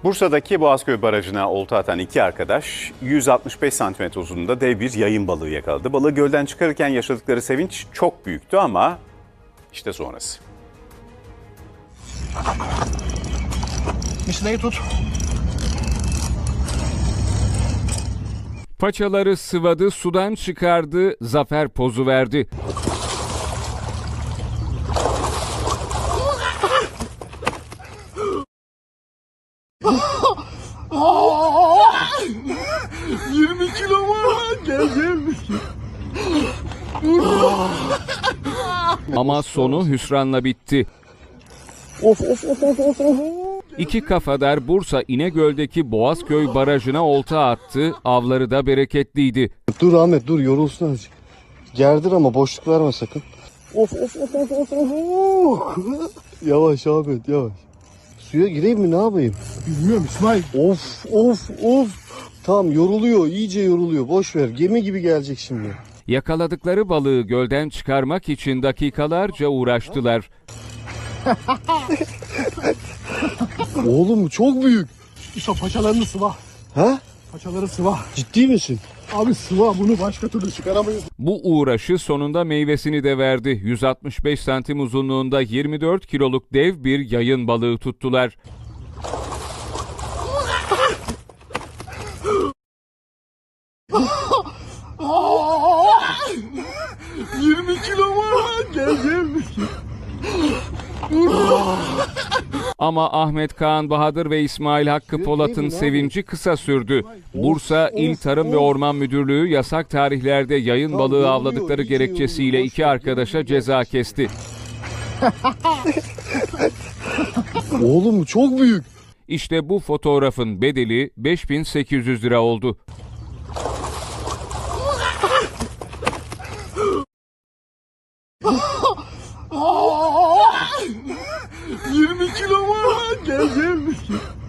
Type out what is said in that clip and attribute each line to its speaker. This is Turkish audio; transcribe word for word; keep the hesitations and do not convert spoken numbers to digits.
Speaker 1: Bursa'daki Boğazköy Barajı'na olta atan iki arkadaş yüz altmış beş santimetre uzunluğunda dev bir yayın balığı yakaladı. Balığı gölden çıkarırken yaşadıkları sevinç çok büyüktü ama işte sonrası.
Speaker 2: Misinayı tut.
Speaker 3: Paçaları sıvadı, sudan çıkardı, zafer pozu verdi.
Speaker 2: yirmi kilo var. Gel gel.
Speaker 3: Ama sonu hüsranla bitti.
Speaker 2: Of of of of of. of.
Speaker 3: İki kafadar Bursa İnegöl'deki Boğazköy Barajı'na olta attı, avları da bereketliydi.
Speaker 4: Dur Ahmet dur, yorulsun azıcık. Gerdir ama boşluk verme sakın.
Speaker 2: Of of of of of of.
Speaker 4: Yavaş Ahmet yavaş. Suya gireyim mi, ne yapayım?
Speaker 2: Bilmiyorum İsmail.
Speaker 4: Of of of. Tamam, yoruluyor, iyice yoruluyor. Boş ver, gemi gibi gelecek şimdi.
Speaker 3: Yakaladıkları balığı gölden çıkarmak için dakikalarca uğraştılar.
Speaker 4: Oğlum çok büyük.
Speaker 2: İşte paçalarını sıva.
Speaker 4: Ha?
Speaker 2: Paçaları sıva.
Speaker 4: Ciddi misin?
Speaker 2: Abi sıva, bunu başka türlü çıkaramayız.
Speaker 3: Bu uğraşı sonunda meyvesini de verdi. yüz altmış beş santim uzunluğunda yirmi dört kiloluk dev bir yayın balığı tuttular.
Speaker 2: yirmi kilo var. Gel gel.
Speaker 3: Ama Ahmet Kaan Bahadır ve İsmail Hakkı Polat'ın sevinci kısa sürdü. Bursa İl Tarım ve Orman Müdürlüğü yasak tarihlerde yayın balığı avladıkları gerekçesiyle iki arkadaşa ceza kesti.
Speaker 4: Oğlum çok büyük.
Speaker 3: İşte bu fotoğrafın bedeli beş bin sekiz yüz lira oldu.
Speaker 2: yirmi kilo var. Gel gel.